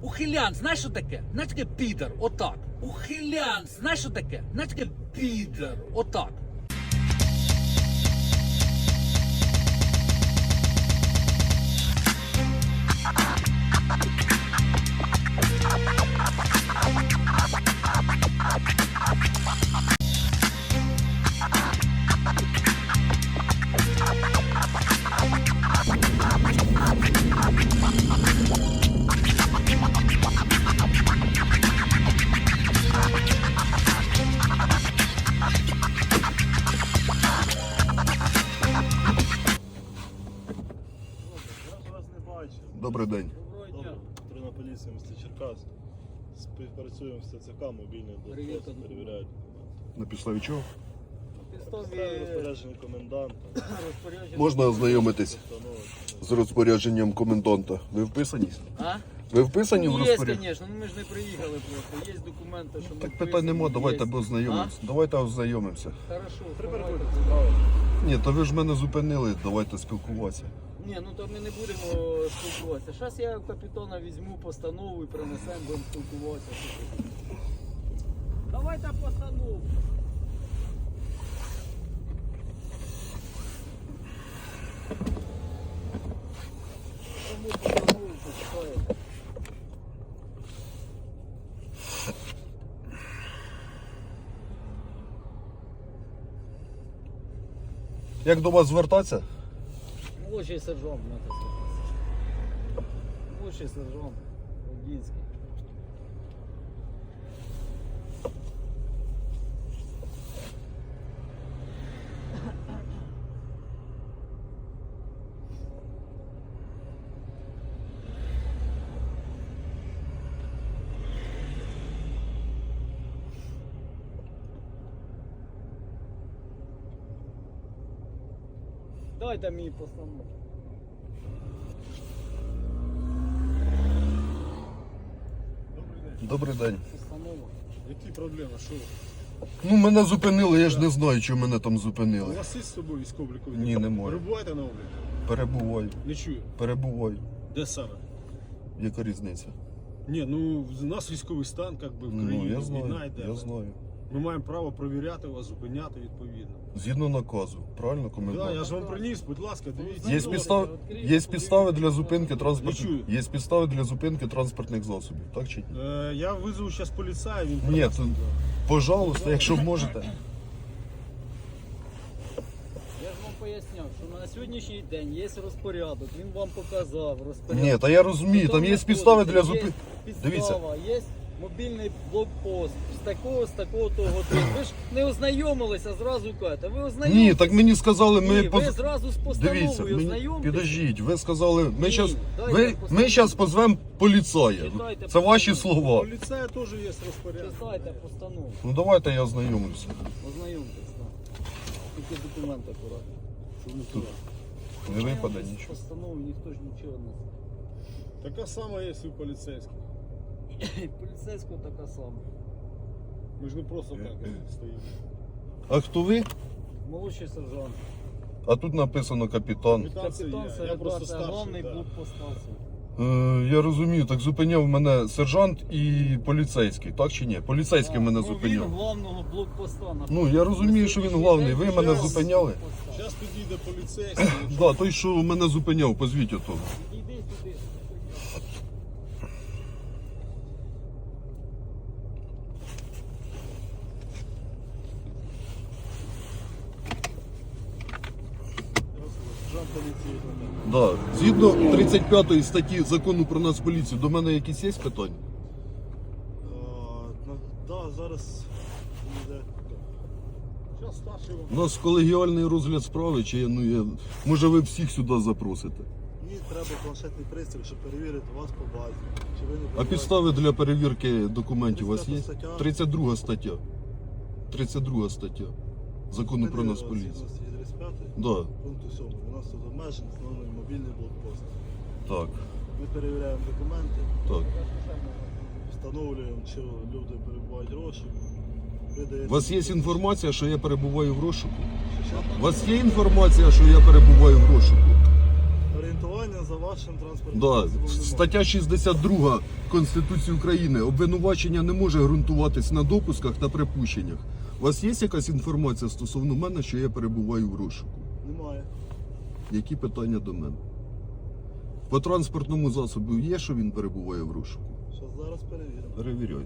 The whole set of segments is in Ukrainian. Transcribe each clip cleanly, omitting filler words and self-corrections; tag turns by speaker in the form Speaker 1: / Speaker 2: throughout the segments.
Speaker 1: Ухилян, знаєш що таке? Знаєш таке підар, отак. Ухилян, знаєш що таке? Знаєш таке підар, отак.
Speaker 2: Добрий день.
Speaker 3: Добре, патрульна поліція міста Черкас. Співпрацюємо з ТЦК, мобільний блокпост, перевіряють документи.
Speaker 2: На підставі чого?
Speaker 3: Підстави розпорядження коменданта.
Speaker 2: Можна ознайомитись
Speaker 3: Постанови.
Speaker 2: з розпорядженням коменданта. Ви вписані?
Speaker 1: А?
Speaker 2: Ви вписані в
Speaker 1: Є,
Speaker 2: розпорядження?
Speaker 1: звісно, ми ж не приїхали просто. Є документи, що ми
Speaker 2: Так питань нема, давайте ознайомимося. Давайте ознайомимося.
Speaker 1: Хорошо,
Speaker 3: Переходьте,
Speaker 1: давайте.
Speaker 3: справи.
Speaker 2: Ні, то ви ж мене зупинили, давайте спілкуватися.
Speaker 1: Ні, ну то ми не будемо спілкуватися. Зараз я у капітана візьму постанову і принесемо, будемо спілкуватися. Давайте постанову. Кому постанову почитаєте?
Speaker 2: Як до вас звертатися?
Speaker 1: Молодший сержант, надо звертатися. Молодший сержант, Одінський. Дайте мені постанову.
Speaker 2: Добрий день.
Speaker 1: Постанова.
Speaker 3: Які проблеми? Що?
Speaker 2: Ну, мене зупинили, я ж не знаю, чого мене там
Speaker 3: У
Speaker 2: зупинили.
Speaker 3: вас є з собою військово-облікові?
Speaker 2: Ні, немає.
Speaker 3: Перебуваєте на обліку?
Speaker 2: Перебуваю.
Speaker 3: Не чую.
Speaker 2: Перебуваю.
Speaker 3: Де саме?
Speaker 2: Яка різниця?
Speaker 3: Ні, ну у нас військовий стан, як би в
Speaker 2: Ну,
Speaker 3: країні,
Speaker 2: я
Speaker 3: війна
Speaker 2: знаю,
Speaker 3: йде.
Speaker 2: я знаю.
Speaker 3: Ми маємо право перевіряти вас, зупиняти відповідно.
Speaker 2: Згідно наказу, правильно,
Speaker 3: Так,
Speaker 2: комендант?
Speaker 3: я ж вам приніс, будь ласка, дивіться.
Speaker 2: Є підстави для зупинки
Speaker 3: Не
Speaker 2: транспортних.
Speaker 3: чую.
Speaker 2: Є підстави для зупинки транспортних засобів, так чи ні?
Speaker 3: Я визову зараз поліцая, він
Speaker 2: Ні,
Speaker 3: приніс.
Speaker 2: то, пожалуйста, якщо можете.
Speaker 1: Я ж вам поясняв, що на сьогоднішній день є розпорядок, він вам показав розпорядок.
Speaker 2: Ні, та я розумію, там є підстави для зупинки. Дивіться.
Speaker 1: Підстава, є мобільний блокпост з такого того. Ви ж не ознайомилися, зразу кажете. Ви ознайомилися?
Speaker 2: Ні, так мені сказали, ми
Speaker 1: Ні, ви зразу з постановою
Speaker 2: Дивіться, мені...
Speaker 1: ознайомтеся.
Speaker 2: підождіть, ви сказали, ми
Speaker 1: Ні,
Speaker 2: зараз
Speaker 1: дайте постанову.
Speaker 2: ми щас позвемо поліцая.
Speaker 1: Читайте
Speaker 2: Це ваші
Speaker 1: постанову.
Speaker 2: слова.
Speaker 3: Поліцая теж є розпорядок.
Speaker 1: Читайте постанову,
Speaker 2: Ну давайте я ознайомлюся.
Speaker 1: ознайомтесь, так. Тільки документи акуратно. Щоб не
Speaker 2: Тут
Speaker 1: впливати.
Speaker 2: не випаде нічого.
Speaker 1: Постанову ніхто ж нічого не
Speaker 3: Така сама є і у поліцейських.
Speaker 1: Поліцейського така сама.
Speaker 3: Ми ж не просто так стоїмо.
Speaker 2: А хто ви?
Speaker 1: Молодший сержант.
Speaker 2: А тут написано капітан.
Speaker 3: Капітан це
Speaker 1: Капітан
Speaker 3: я
Speaker 1: Середа,
Speaker 3: просто
Speaker 1: це
Speaker 3: старший.
Speaker 1: головний
Speaker 3: Да.
Speaker 1: блокпост станції.
Speaker 2: Я розумію, так зупиняв мене сержант і поліцейський, так чи ні? Поліцейський мене
Speaker 1: Він
Speaker 2: зупиняв.
Speaker 1: главного блокпоста.
Speaker 2: Ну я розумію, що він главний. Ви мене зупиняли?
Speaker 3: Зараз підійде поліцейський.
Speaker 2: Да, той, що мене зупиняв, позвіть ото.
Speaker 1: Іди сюди.
Speaker 3: Жан поліції.
Speaker 2: Да. Згідно 35 статті закону про Нацполіцію, до мене якісь є питання?
Speaker 3: Так, зараз йде. Зараз старший вам.
Speaker 2: У нас колегіальний розгляд справи, чи може ви всіх сюди запросите?
Speaker 3: Мені треба планшетний пристрій, щоб перевірити вас по базі. Чи ви не
Speaker 2: А
Speaker 3: перебуваєте?
Speaker 2: підстави для перевірки документів у вас є?
Speaker 3: 35 стаття.
Speaker 2: 32 стаття. 32 стаття закону про Нацполіцію.
Speaker 3: Згідно статті 35
Speaker 2: Да,
Speaker 3: пункту 7. У нас тут обмежений встановлений мобільний блокпост.
Speaker 2: так,
Speaker 3: Ми перевіряємо документи,
Speaker 2: так.
Speaker 3: встановлюємо, чи люди перебувають в розшуку.
Speaker 2: У вас є інформація, що я перебуваю в розшуку?
Speaker 3: Що?
Speaker 2: У вас є інформація, що я перебуваю в розшуку?
Speaker 3: Орієнтування за вашим транспортним
Speaker 2: Да.
Speaker 3: засобом немає.
Speaker 2: Стаття 62 Конституції України. Обвинувачення не може ґрунтуватись на допусках та припущеннях. У вас є якась інформація стосовно мене, що я перебуваю в розшуку?
Speaker 3: Немає.
Speaker 2: Які питання до мене? По транспортному засобу є, що він перебуває в розшуку?
Speaker 3: Що зараз перевіримо.
Speaker 2: Перевіряйте.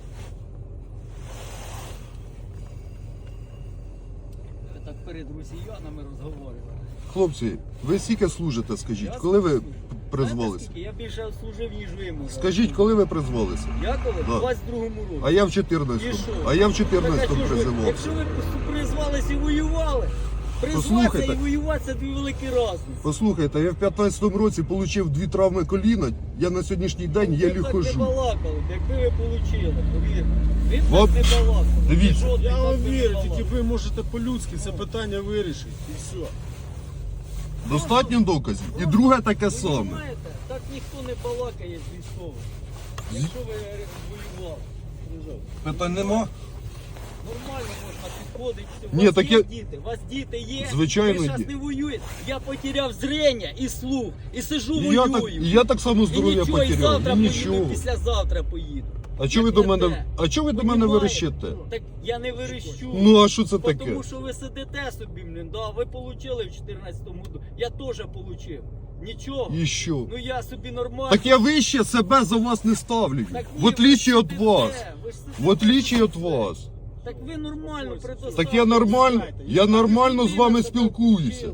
Speaker 1: Ви так перед росіянами розговорювали.
Speaker 2: Хлопці, ви скільки служите, скажіть?
Speaker 1: Я
Speaker 2: Коли ви
Speaker 1: служу.
Speaker 2: призвалися?
Speaker 1: Знаєте, скільки? Я більше служив, ніж ви. може.
Speaker 2: Скажіть, коли ви призвалися?
Speaker 1: Я коли?
Speaker 2: Да.
Speaker 1: В 22-му році.
Speaker 2: А я в
Speaker 1: І що?
Speaker 2: 14-му
Speaker 1: Так,
Speaker 2: призивався.
Speaker 1: якщо ви призвалися і воювали, призватися
Speaker 2: Послухайте.
Speaker 1: і воювати – це дві великі різниці.
Speaker 2: Послухайте, я в 15-му році отримав 2 травми коліна, я на сьогоднішній день єлі
Speaker 1: Ви так не
Speaker 2: хожу.
Speaker 1: балакали, якби ви отримали, повірте. Ви б
Speaker 2: От,
Speaker 1: так не балакали.
Speaker 2: дивіться.
Speaker 1: Жодний
Speaker 3: Я
Speaker 1: так
Speaker 3: вам
Speaker 1: би не
Speaker 3: вірю,
Speaker 1: балакав.
Speaker 3: тільки ви можете по-людськи це питання вирішити. І все.
Speaker 2: Достатньо доказів. І друге таке
Speaker 1: Ви
Speaker 2: саме.
Speaker 1: розумієте, так ніхто не балакає з військових. Якщо ви воювали.
Speaker 2: Питань нема?
Speaker 1: Нормально можна підходити. У
Speaker 2: Ні,
Speaker 1: вас
Speaker 2: так
Speaker 1: є
Speaker 2: я-
Speaker 1: діти, у вас діти є.
Speaker 2: Звичайно,
Speaker 1: ви зараз
Speaker 2: є.
Speaker 1: не воюєте. Я потеряв зрення і слух. І сижу
Speaker 2: І я
Speaker 1: воюю.
Speaker 2: так само
Speaker 1: І
Speaker 2: здоров'я
Speaker 1: нічого, і
Speaker 2: потеряв.
Speaker 1: завтра
Speaker 2: І
Speaker 1: поїду,
Speaker 2: нічого.
Speaker 1: і післязавтра поїду.
Speaker 2: А чого ви
Speaker 1: Як
Speaker 2: до
Speaker 1: не
Speaker 2: мене?
Speaker 1: те.
Speaker 2: А чого ви до мене
Speaker 1: Понімаєте?
Speaker 2: верещите?
Speaker 1: Так я не верещу.
Speaker 2: Ну а що це таке?
Speaker 1: Тому що ви сидите собі, блін, да, ви получили в 14-му году. Я теж получив. Нічого.
Speaker 2: І що?
Speaker 1: Ну я собі нормально.
Speaker 2: Так я вище себе за вас не ставлю.
Speaker 1: Так ні,
Speaker 2: В отличие
Speaker 1: ви
Speaker 2: від
Speaker 1: сидите,
Speaker 2: вас.
Speaker 1: ви ж сидите.
Speaker 2: В отличие від вас.
Speaker 1: Так ви нормально
Speaker 2: Так я нормально з вами спілкуюся.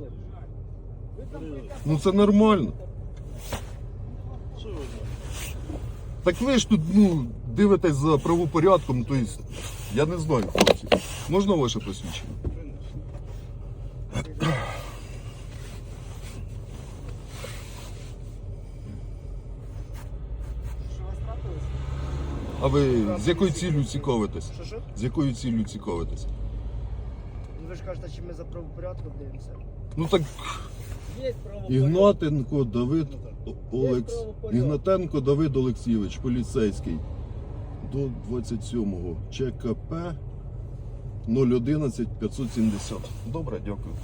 Speaker 2: Ну це нормально.
Speaker 3: Що ви знаєте?
Speaker 2: Так ви ж тут, дивитесь за правопорядком, то есть, я не знаю, хлопці. Можна ваше посвідчення?
Speaker 1: Що вас трапилось?
Speaker 2: А ви з якою ціллю цікавитесь?
Speaker 4: Що?
Speaker 2: З якою ціллю цікавитесь?
Speaker 4: Ну, ви ж кажете, що ми за правопорядком дивимося.
Speaker 2: Ну так,
Speaker 1: Є правопорядок.
Speaker 2: Ігнатенко Давид Олекс...
Speaker 1: правопорядок.
Speaker 2: Ігнатенко Давид Олексійович, поліцейський. До 27-го. ЧКП 011 570. Добре, дякую.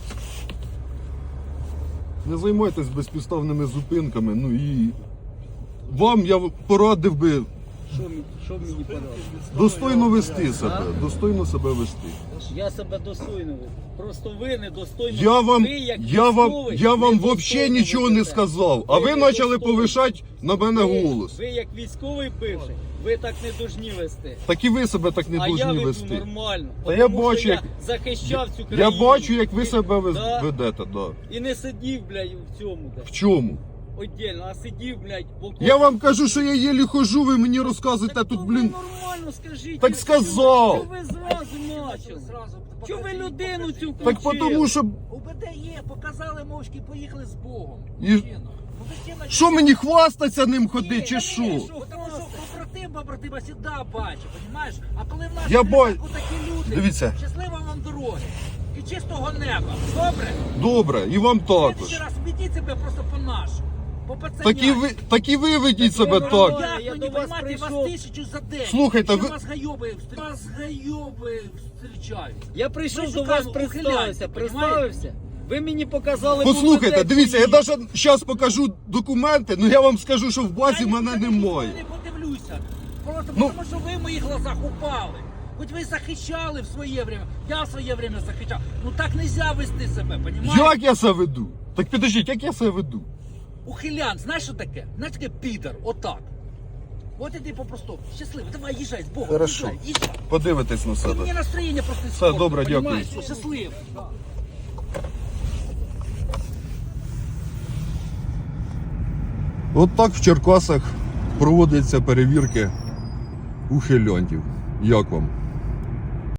Speaker 2: Не займайтесь безпідставними зупинками. Ну і вам я порадив би
Speaker 1: Що мені порадити?
Speaker 2: достойно вести себе. Достойно себе вести.
Speaker 1: Я себе достойно веду. Просто ви недостойно.
Speaker 2: Я вам,
Speaker 1: ви, як
Speaker 2: я вам,
Speaker 1: військовий,
Speaker 2: я вам
Speaker 1: недостойно
Speaker 2: взагалі нічого не
Speaker 1: ведете.
Speaker 2: сказав, а ви
Speaker 1: недостойно.
Speaker 2: почали повишати на мене голос.
Speaker 1: Ви як військовий бивший, ви так не должні вести.
Speaker 2: Так і ви себе так не
Speaker 1: А я
Speaker 2: повинні
Speaker 1: веду
Speaker 2: вести.
Speaker 1: нормально.
Speaker 2: Та я
Speaker 1: Тому
Speaker 2: бачу,
Speaker 1: що я
Speaker 2: як-
Speaker 1: захищав цю
Speaker 2: Я
Speaker 1: країну.
Speaker 2: бачу, як ви себе
Speaker 1: Да.
Speaker 2: ведете, да.
Speaker 1: І не сидів, блядь, в цьому.
Speaker 2: В чому?
Speaker 1: Отдельно, а сидів, блядь, в окопі.
Speaker 2: Я вам кажу, що я єлі хожу, ви мені розказуєте
Speaker 1: Так
Speaker 2: тут,
Speaker 1: то
Speaker 2: блін.
Speaker 1: ви нормально скажіть.
Speaker 2: Так
Speaker 1: ну,
Speaker 2: сказав.
Speaker 1: Що ви зразу почали? Чого ви людину цю
Speaker 2: Так
Speaker 1: включили?
Speaker 2: тому що.
Speaker 5: УБД є, показали мовчки, поїхали з Богом.
Speaker 2: І-
Speaker 5: Мужчина. Ну, дитина-
Speaker 2: Що мені хвастаться ним ходити,
Speaker 5: Ні,
Speaker 2: чи
Speaker 5: та
Speaker 2: що?
Speaker 5: ні, Тому що побратима завжди бачить, розумієш? А коли в нас
Speaker 2: Я бачу.
Speaker 5: такі люди,
Speaker 2: Дивіться.
Speaker 5: щаслива вам дороги і чистого неба. Добре?
Speaker 2: Добре, і вам
Speaker 5: Ще
Speaker 2: також.
Speaker 5: раз ведіть себе просто по-нашому. По
Speaker 2: Так і ви ведіть себе
Speaker 1: нормально.
Speaker 2: так.
Speaker 5: Як
Speaker 1: Я
Speaker 5: ви
Speaker 1: до
Speaker 5: не
Speaker 1: вас
Speaker 5: приймати вас
Speaker 1: прийшов.
Speaker 5: 1000 за день?
Speaker 2: Слухайте,
Speaker 5: Ще
Speaker 2: ви-
Speaker 5: вас гайоби зустрічають.
Speaker 1: Я прийшов
Speaker 5: Ми
Speaker 1: до вас,
Speaker 5: шукаємо
Speaker 1: представився,
Speaker 5: ухилянців,
Speaker 1: представився. Ви мені показали.
Speaker 2: Послухайте,
Speaker 1: був
Speaker 2: дивіться, я
Speaker 1: людей,
Speaker 2: навіть зараз покажу документи, але я вам скажу, що в базі мене немає.
Speaker 5: Я не подивлюся. Просто
Speaker 2: Ну-
Speaker 5: тому, що ви в моїх глазах упали. Хоч ви захищали в своє время, я в своє время захищав. Ну так не можна вести себе, понімаєш?
Speaker 2: Як я себе веду? Так підождіть, як я себе веду?
Speaker 5: Ухилян, знаєш що таке? Знаєш таке підар, отак. От іди по-простому. Щасливо, давай їжджай з Богом.
Speaker 2: Хорошо.
Speaker 5: Їжджай.
Speaker 2: Подивитесь на
Speaker 5: Ти
Speaker 2: себе.
Speaker 5: мені настроєння просто
Speaker 2: Все,
Speaker 5: іспортив,
Speaker 2: добре, дякую.
Speaker 5: понімаєш? Щасливо.
Speaker 2: От так в Черкасах проводяться перевірки ухилянтів. Як вам?